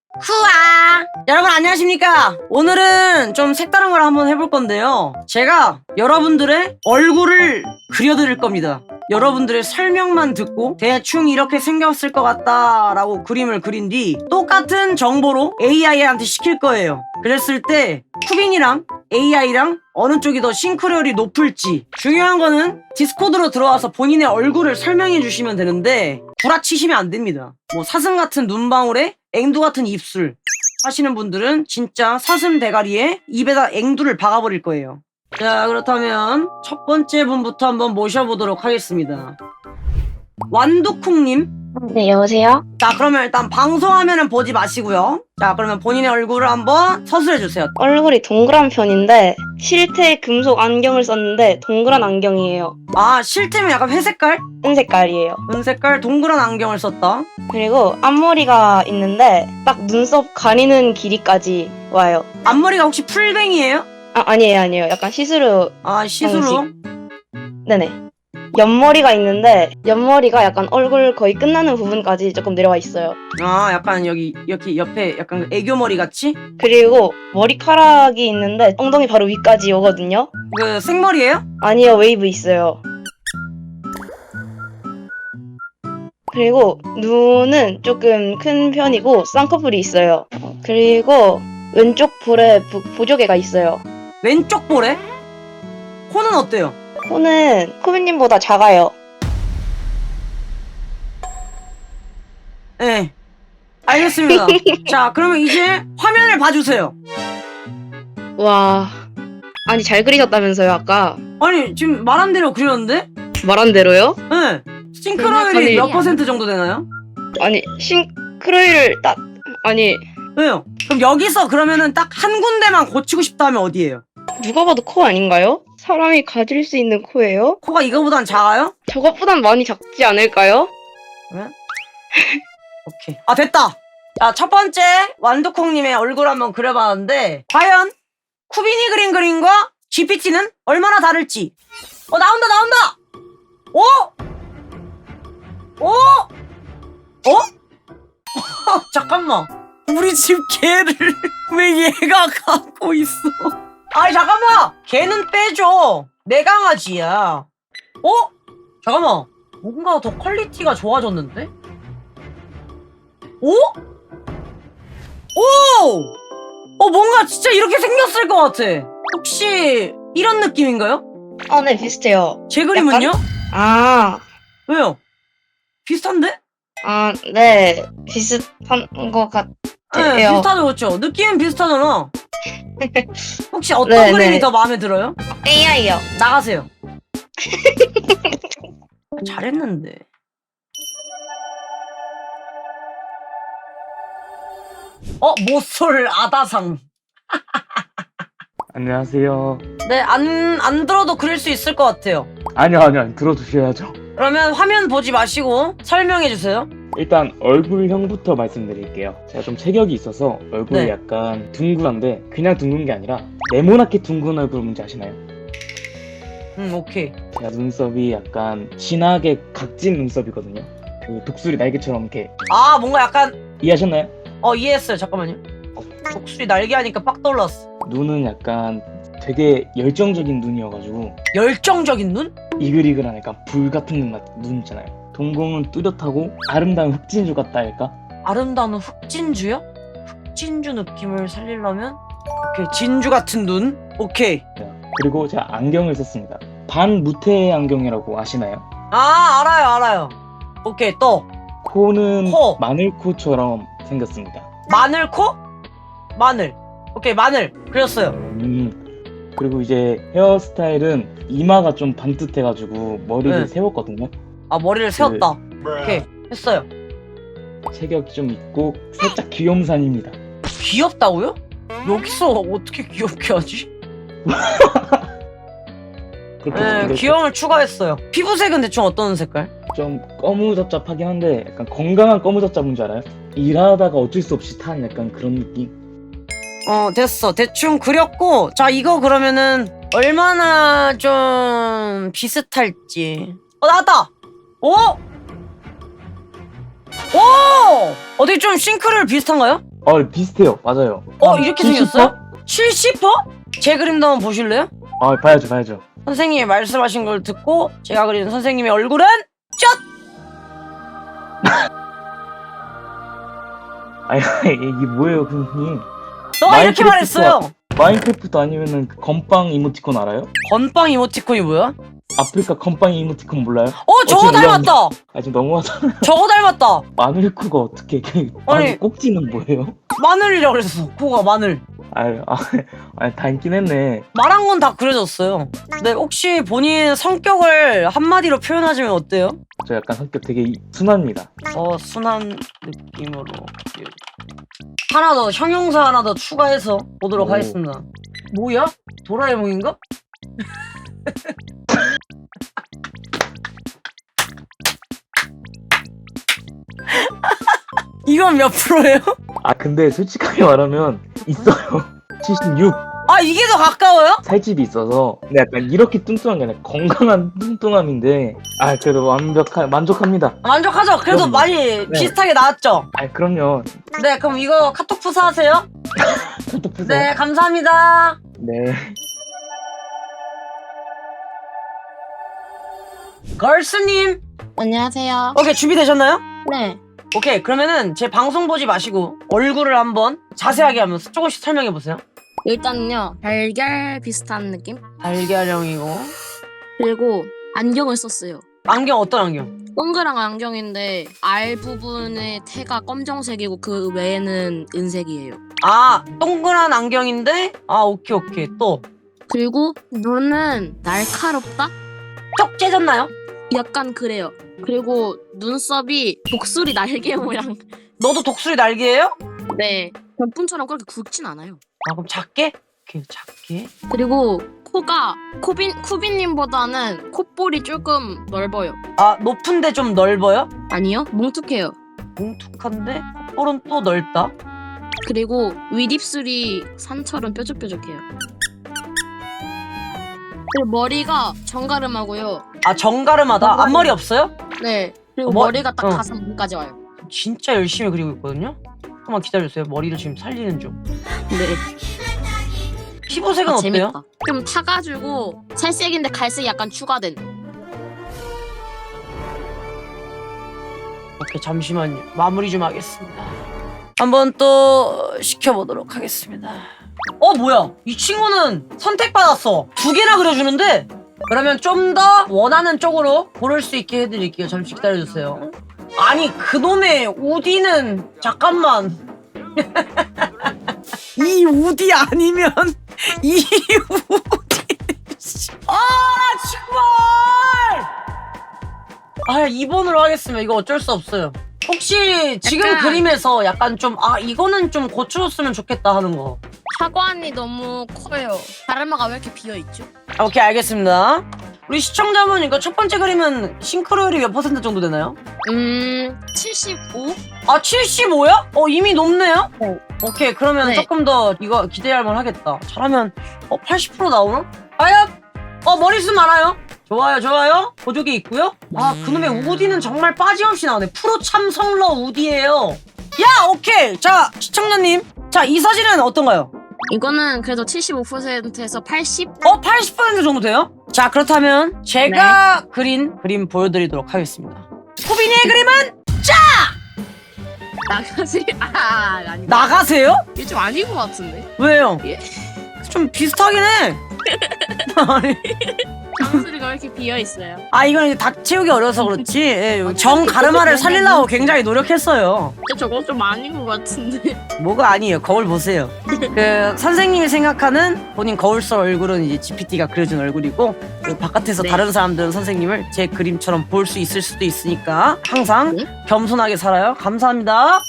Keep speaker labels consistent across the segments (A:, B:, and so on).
A: 후아! 여러분 안녕하십니까? 오늘은 좀 색다른 걸 한번 해볼 건데요. 제가 여러분들의 얼굴을 그려드릴 겁니다. 여러분들의 설명만 듣고 대충 이렇게 생겼을 것 같다 라고 그림을 그린 뒤 똑같은 정보로 AI한테 시킬 거예요. 그랬을 때 쿠빈이랑 AI랑 어느 쪽이 더 싱크로율이 높을지, 중요한 거는 디스코드로 들어와서 본인의 얼굴을 설명해 주시면 되는데 구라치시면 안 됩니다. 뭐 사슴 같은 눈방울에 앵두 같은 입술 하시는 분들은 진짜 사슴 대가리에 입에다 앵두를 박아버릴 거예요. 자, 그렇다면 첫 번째 분부터 한번 모셔보도록 하겠습니다. 완두콩님.
B: 네, 여보세요?
A: 자, 그러면 일단 방송화면은 보지 마시고요. 자, 그러면 본인의 얼굴을 한번 서술해주세요.
B: 얼굴이 동그란 편인데 실제 금속 안경을 썼는데 동그란 안경이에요.
A: 아, 실제면 약간 회색깔?
B: 은 색깔이에요.
A: 은색깔 동그란 안경을 썼다.
B: 그리고 앞머리가 있는데 딱 눈썹 가리는 길이까지 와요.
A: 앞머리가 혹시 풀뱅이에요?
B: 아니에요. 약간 시스루.
A: 아, 시스루?
B: 네네. 옆머리가 있는데 옆머리가 약간 얼굴 거의 끝나는 부분까지 조금 내려와 있어요.
A: 아, 약간 여기 옆에 약간 애교머리 같이?
B: 그리고 머리카락이 있는데 엉덩이 바로 위까지 오거든요.
A: 그 생머리예요?
B: 아니요, 웨이브 있어요. 그리고 눈은 조금 큰 편이고 쌍꺼풀이 있어요. 그리고 왼쪽 볼에 보조개가 있어요.
A: 왼쪽 볼에? 코는 어때요?
B: 코는 코비님보다 작아요.
A: 네. 알겠습니다. 자, 그러면 이제 화면을 봐주세요.
B: 와, 아니 잘 그리셨다면서요 아까?
A: 아니, 지금 말한 대로 그렸는데?
B: 말한 대로요?
A: 네. 싱크로율이 몇 퍼센트 정도 되나요?
B: 아니 싱크로율을 딱 아니
A: 왜요? 그럼 여기서 그러면은 딱 한 군데만 고치고 싶다 하면 어디예요?
B: 누가 봐도 코 아닌가요? 사람이 가질 수 있는 코예요?
A: 코가 이거보단 작아요?
B: 저것보단 많이 작지 않을까요?
A: 오케이. 아, 됐다! 자, 첫 번째 완두콩님의 얼굴 한번 그려봤는데 과연 쿠빈이 그린 그림과 GPT는 얼마나 다를지. 나온다! 오! 오! 어? 잠깐만. 우리 집 개를 왜 얘가 갖고 있어? 아니, 잠깐만! 개는 빼줘. 내 강아지야. 잠깐만. 뭔가 더 퀄리티가 좋아졌는데? 오? 뭔가 진짜 이렇게 생겼을 것 같아. 혹시 이런 느낌인가요?
B: 네 비슷해요.
A: 제 그림은요?
B: 아,
A: 왜요? 비슷한데?
B: 네 비슷한 것 같아요.
A: 네, 비슷하죠, 그렇죠? 느낌은 비슷하잖아. 혹시 어떤
B: 네,
A: 그림이
B: 네.
A: 더 마음에 들어요?
B: AI요.
A: 나가세요. 잘했는데. 모쏠 아다상.
C: 안녕하세요.
A: 네, 안 들어도 그릴 수 있을 것 같아요.
C: 아니요. 들어주셔야죠.
A: 그러면 화면 보지 마시고 설명해주세요.
C: 일단 얼굴형부터 말씀드릴게요. 제가 좀 체격이 있어서 얼굴이
A: 네.
C: 약간 둥글한데 그냥 둥근 게 아니라 네모나게 둥근 얼굴 뭔지 아시나요?
A: 오케이.
C: 제가 눈썹이 약간 진하게 각진 눈썹이거든요. 그 독수리 날개처럼 이렇게
A: 뭔가 약간,
C: 이해하셨나요?
A: 이해했어요. 잠깐만요. 독수리 날개 하니까 빡 떠올랐어.
C: 눈은 약간 되게 열정적인 눈이어가지고
A: 열정적인 눈?
C: 이글이글한 약간 불 같은 눈 있잖아요. 동공은 뚜렷하고 아름다운 흑진주 같다 할까?
A: 아름다운 흑진주요? 흑진주 느낌을 살리려면? 오케이, 진주 같은 눈? 오케이.
C: 그리고 제가 안경을 썼습니다. 반무태 안경이라고 아시나요?
A: 알아요. 오케이, 또.
C: 코는
A: 코.
C: 마늘코처럼 생겼습니다.
A: 마늘코? 마늘. 오케이, 마늘. 그렸어요.
C: 그리고 이제 헤어스타일은 이마가 좀 반듯해가지고 머리를
A: 네.
C: 세웠거든요.
A: 머리를 세웠다. 오케이, 했어요.
C: 체격이 좀 있고 살짝 귀염산입니다.
A: 귀엽다고요? 여기서 어떻게 귀엽게 하지?
C: 그렇게
A: 네,
C: 생겼어요.
A: 귀여움을 추가했어요. 피부색은 대충 어떤 색깔?
C: 좀 거무잡잡하긴 한데 약간 건강한 거무잡잡인 줄 알아요? 일하다가 어쩔 수 없이 탄 약간 그런 느낌?
A: 됐어. 대충 그렸고, 자, 이거 그러면은 얼마나 좀 비슷할지. 나왔다! 오! 어디 좀 싱크를 비슷한가요?
C: 비슷해요. 맞아요.
A: 이렇게
C: 70%?
A: 생겼어요? 70%? 제 그림도 한번 보실래요?
C: 봐야죠.
A: 선생님이 말씀하신 걸 듣고 제가 그린 선생님의 얼굴은 쩍!
C: 아니, 이게 뭐예요, 선생님?
A: 너가 이렇게
C: 마인크래프트와-
A: 말했어요.
C: 마인크래프트 아니면은 그 건빵 이모티콘 알아요?
A: 건빵 이모티콘이 뭐야?
C: 아프리카 건빵 이모티콘 몰라요?
A: 저거
C: 지금
A: 닮았다.
C: 지금 너무하잖아.
A: 저거 닮았다.
C: 마늘코가 어떻게
A: 아니.
C: 꼭지는 뭐예요?
A: 마늘이라고 그랬어. 코가 마늘.
C: 닮긴 했네.
A: 말한 건 다 그려졌어요. 네, 혹시 본인 성격을 한마디로 표현하자면 어때요?
C: 저 약간 성격 되게 순합니다.
A: 순한 느낌으로. 하나 더, 형용사 하나 더 추가해서 보도록
C: 오.
A: 하겠습니다. 뭐야? 도라에몽인가? 이건 몇 프로예요?
C: 근데 솔직하게 말하면 있어요. 76.
A: 이게 더 가까워요?
C: 살집이 있어서 근데 약간 이렇게 뚱뚱한 게 아니라 건강한 뚱뚱함인데 그래도 만족합니다.
A: 만족하죠? 그래도
C: 그럼요.
A: 많이 비슷하게 나왔죠?
C: 그럼요.
A: 네, 그럼 이거 카톡 푸사하세요.
C: 카톡 푸세요.
A: 네, 감사합니다.
C: 네.
A: 걸스님.
B: 안녕하세요.
A: 오케이, 준비되셨나요?
B: 네.
A: 오케이, 그러면은 제 방송 보지 마시고 얼굴을 한번 자세하게 하면서 조금씩 설명해 보세요.
D: 일단은요 달걀 비슷한 느낌?
A: 달걀형이고.
D: 그리고 안경을 썼어요.
A: 안경 어떤 안경?
D: 동그란 안경인데 알 부분의 태가 검정색이고 그 외에는 은색이에요.
A: 동그란 안경인데 오케이 또
D: 그리고 눈은 날카롭다?
A: 쩍 째졌나요?
D: 약간 그래요. 그리고 눈썹이 독수리 날개 모양.
A: 너도 독수리 날개예요?
D: 네. 별풍처럼 그렇게 굵진 않아요.
A: 그럼 작게? 오케이, 작게.
D: 그리고 코가 쿠비님보다는 콧볼이 조금 넓어요.
A: 높은데 좀 넓어요?
D: 아니요? 뭉툭해요.
A: 뭉툭한데 콧볼은 또 넓다.
D: 그리고 윗입술이 산처럼 뾰족뾰족해요. 그리고 머리가 정가름하고요.
A: 정가름하다. 앞머리 없어요?
D: 네. 그리고
A: 뭐-
D: 머리가 딱
A: 어.
D: 가슴까지 와요.
A: 진짜 열심히 그리고 있거든요. 조금만 기다려주세요. 머리를 지금 살리는 중.
D: 네.
A: 피부색은 어때요?
D: 재밌다. 좀 타가지고 살색인데 갈색이 약간 추가된.
A: 오케이, 잠시만요. 마무리 좀 하겠습니다. 한번 또 시켜보도록 하겠습니다. 뭐야? 이 친구는 선택받았어. 2개나 그려주는데? 그러면 좀 더 원하는 쪽으로 고를 수 있게 해드릴게요. 잠시 기다려주세요. 아니, 그놈의 우디는 잠깐만. 이 우디 아니면 이 우디. 정말. 2번으로 하겠습니다. 이거 어쩔 수 없어요. 혹시 지금
D: 약간-
A: 그림에서 약간 좀 이거는 좀 고쳐줬으면 좋겠다 하는 거.
D: 하관이 너무 커요. 다르마가 왜 이렇게 비어있죠?
A: 오케이, 알겠습니다. 우리 시청자분 이거 첫 번째 그림은 싱크로율이 몇 % 정도 되나요?
D: 75?
A: 75야? 이미 높네요?
D: 네.
A: 오케이, 그러면
D: 네.
A: 조금 더 이거 기대할 만 하겠다. 잘하면 80% 나오나? 과연? 머리숱 많아요? 좋아요. 보조개 있고요. 그놈의 우디는 정말 빠짐없이 나오네. 프로 참성러 우디예요. 오케이. 자, 시청자님. 자, 이 사진은 어떤가요?
D: 이거는 그래도 75%에서 80?
A: 80% 정도 돼요? 자, 그렇다면 제가 그린 그림 보여드리도록 하겠습니다. 코비니의 그림은
D: 나가지? 아니.
A: 나가세요?
D: 이게 좀 아닌 것 같은데?
A: 왜요?
D: 예?
A: 좀 비슷하긴 해. 아니,
D: 장소리가 왜 이렇게 비어있어요?
A: 이건 이제 닭 채우기 어려서 그렇지. 정 가르마를 살리려고 굉장히 노력했어요.
D: 저거 좀 아닌 것 같은데?
A: 뭐가 아니에요. 거울 보세요. 선생님이 생각하는 본인 거울속 얼굴은 이제 GPT가 그려준 얼굴이고, 바깥에서
D: 네.
A: 다른 사람들은 선생님을 제 그림처럼 볼 수 있을 수도 있으니까 항상
D: 네?
A: 겸손하게 살아요. 감사합니다.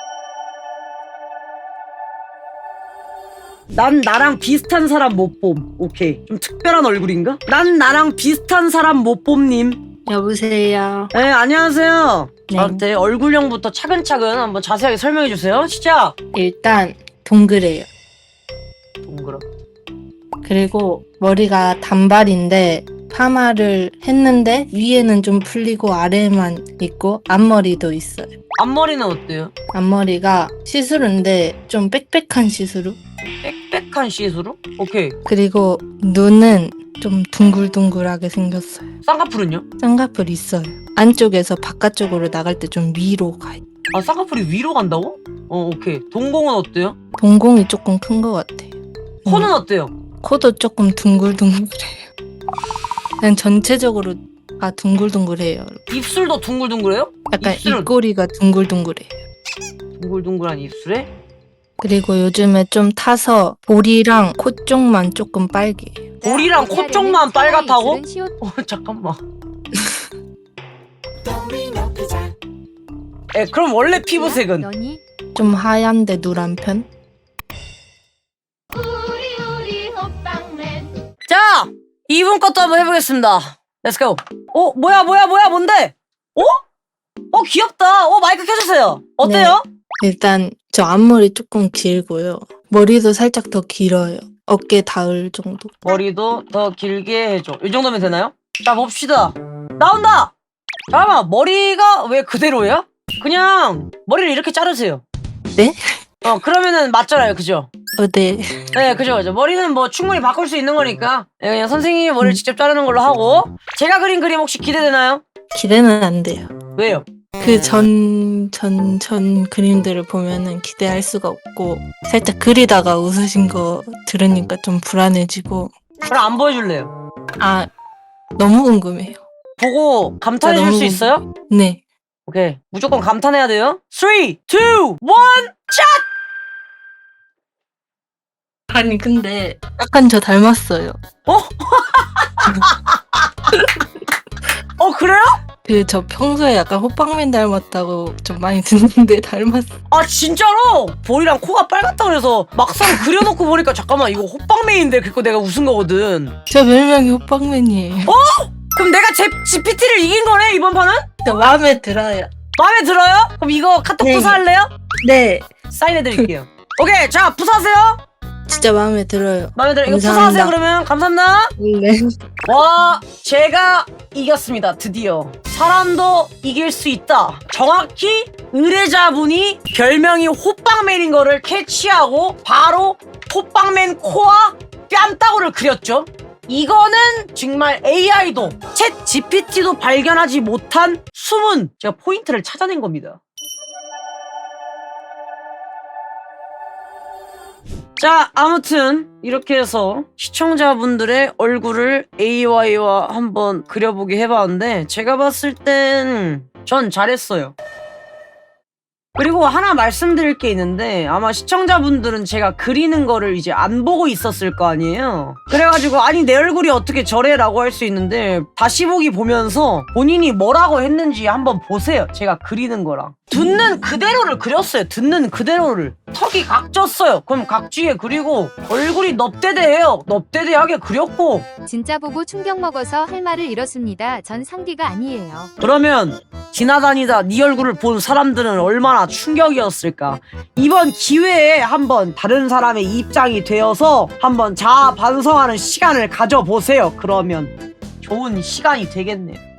A: 난 나랑 비슷한 사람 못 봄. 오케이. 좀 특별한 얼굴인가? 난 나랑 비슷한 사람 못 봄님.
E: 여보세요.
A: 네, 안녕하세요.
E: 네.
A: 저한테 얼굴형부터 차근차근 한번 자세하게 설명해 주세요. 시작.
E: 일단 동그래요.
A: 동그라.
E: 그리고 머리가 단발인데 파마를 했는데 위에는 좀 풀리고 아래만 있고 앞머리도 있어요.
A: 앞머리는 어때요?
E: 앞머리가 시스루인데 좀 빽빽한 시스루.
A: 빽빽한 시스루? 오케이.
E: 그리고 눈은 좀 둥글둥글하게 생겼어요.
A: 쌍꺼풀은요?
E: 쌍꺼풀 있어요. 안쪽에서 바깥쪽으로 나갈 때 좀 위로 가요.
A: 아, 쌍꺼풀이 위로 간다고? 오케이. 동공은 어때요?
E: 동공이 조금 큰 것 같아요.
A: 코는 어때요?
E: 코도 조금 둥글둥글해요. 그냥 전체적으로 다 둥글둥글해요.
A: 입술도 둥글둥글해요?
E: 약간
A: 입술은
E: 입꼬리가 둥글둥글해요.
A: 둥글둥글한 입술에?
E: 그리고 요즘에 좀 타서 볼이랑 코 쪽만 조금 빨개요.
A: 볼이랑 코 쪽만 빨갛다고? 잠깐만. 그럼 원래 피부색은?
E: 좀 하얀데 누런 편?
A: 자! 2분 것도 한번 해보겠습니다. 렛츠고. 뭐야, 뭔데? 귀엽다. 마이크 켜주세요. 어때요?
E: 일단 저 앞머리 조금 길고요. 머리도 살짝 더 길어요. 어깨 닿을 정도.
A: 머리도 더 길게 해줘. 이 정도면 되나요? 자, 봅시다. 나온다! 잠깐만, 머리가 왜 그대로야? 그냥 머리를 이렇게 자르세요.
E: 네?
A: 그러면은 맞잖아요. 그죠?
E: 네.
A: 네, 그죠. 머리는 뭐 충분히 바꿀 수 있는 거니까 그냥 선생님이 머리를 직접 자르는 걸로 하고. 제가 그린 그림 혹시 기대되나요?
E: 기대는 안 돼요.
A: 왜요?
E: 그 전 그림들을 보면은 기대할 수가 없고 살짝 그리다가 웃으신 거 들으니까 좀 불안해지고
A: 그럼 안 보여줄래요?
E: 너무 궁금해요.
A: 보고 감탄해 줄
E: 너무
A: 수 있어요?
E: 네.
A: 오케이. 무조건 감탄해야 돼요. 3, 2, 1,
E: 아니 근데 약간 저 닮았어요.
A: 그래요?
E: 그 저 평소에 약간 호빵맨 닮았다고 좀 많이 듣는데 닮았어.
A: 아, 진짜로? 볼이랑 코가 빨갛다 그래서 막상 그려놓고 보니까 잠깐만, 이거 호빵맨인데 그거 내가 웃은 거거든.
E: 저 별명이 호빵맨이에요.
A: 그럼 내가 GPT를 이긴 거네, 이번 판은?
E: 저 마음에 들어요.
A: 마음에 들어요? 그럼 이거 카톡
E: 네.
A: 부사할래요?
E: 네.
A: 사인해드릴게요. 오케이, 자, 부사하세요.
E: 진짜 마음에 들어요.
A: 마음에 들어요. 이거
E: 감사합니다.
A: 부사하세요, 그러면. 감사합니다.
E: 네.
A: 와, 제가 이겼습니다. 드디어. 사람도 이길 수 있다. 정확히 의뢰자분이 별명이 호빵맨인 거를 캐치하고 바로 호빵맨 코와 뺨따구를 그렸죠. 이거는 정말 AI도 챗 GPT도 발견하지 못한 숨은 제가 포인트를 찾아낸 겁니다. 자, 아무튼 이렇게 해서 시청자분들의 얼굴을 AI와 한번 그려보게 해봤는데 제가 봤을 땐 전 잘했어요. 그리고 하나 말씀드릴 게 있는데 아마 시청자분들은 제가 그리는 거를 이제 안 보고 있었을 거 아니에요. 그래가지고 아니 내 얼굴이 어떻게 저래 라고 할 수 있는데 다시 보기 보면서 본인이 뭐라고 했는지 한번 보세요. 제가 그리는 거랑 듣는 그대로를 그렸어요. 듣는 그대로를. 턱이 각졌어요. 그럼 각지게 그리고 얼굴이 넙대대해요. 넙대대하게 그렸고.
F: 진짜 보고 충격 먹어서 할 말을 잃었습니다. 전 상디가 아니에요.
A: 그러면 지나다니다 네 얼굴을 본 사람들은 얼마나 충격이었을까. 이번 기회에 한번 다른 사람의 입장이 되어서 한번 자아 반성하는 시간을 가져보세요. 그러면 좋은 시간이 되겠네요.